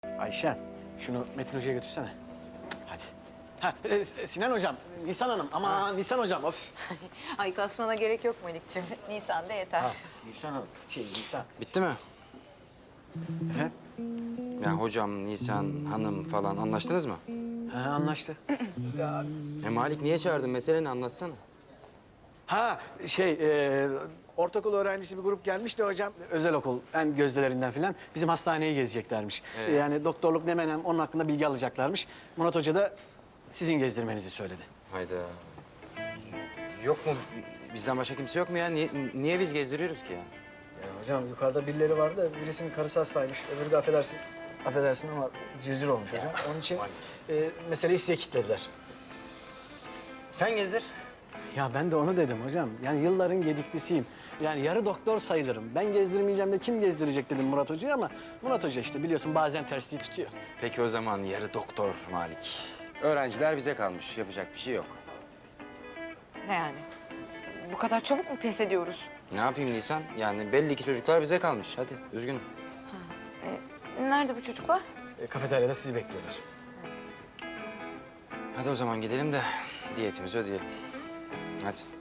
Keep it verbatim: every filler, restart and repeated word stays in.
Ayşe, şunu Metin Hoca'ya götürsene. Hadi. Ha, e, Sinan Hocam, Nisan Hanım. Ama Nisan Hocam, of. Ay kasmana gerek yok Melikciğim. Nisan'da yeter. Ha, Nisan Hanım, şey Nisan. Bitti mi? Efendim? Ya hocam, Nisan, hanım falan anlaştınız mı? Ha, anlaştı. E Malik niye çağırdın? Mesele ne, anlatsana. Ha, şey, e, ortaokul öğrencisi bir grup gelmiş de hocam. Özel okul, en gözdelerinden falan. Bizim hastaneyi gezeceklermiş. Evet. Yani doktorluk ne menem onun hakkında bilgi alacaklarmış. Murat Hoca da sizin gezdirmenizi söyledi. Hayda. Yok mu? Bizden başka kimse yok mu ya? Niye, niye biz gezdiriyoruz ki ya? Ya hocam yukarıda birileri vardı. Birisinin karısı hastaymış. Öbürü de affedersin. Affedersin ama cırcır olmuş hocam. Onun için e, meseleyi size kilitlediler. Sen gezdir. Ya ben de onu dedim hocam. Yani yılların gediklisiyim. Yani yarı doktor sayılırım. Ben gezdirmeyeceğim de kim gezdirecek dedim Murat Hoca'ya ama Murat Hoca işte biliyorsun bazen tersliği tutuyor. Peki o zaman yarı doktor Malik. Öğrenciler bize kalmış. Yapacak bir şey yok. Ne yani? Bu kadar çabuk mu pes ediyoruz? Ne yapayım Nisan? Yani belli ki çocuklar bize kalmış. Hadi üzgünüm. E, nerede bu çocuklar? E, kafeteryada sizi bekliyorlar. Hadi o zaman gidelim de diyetimizi ödeyelim. Hadi.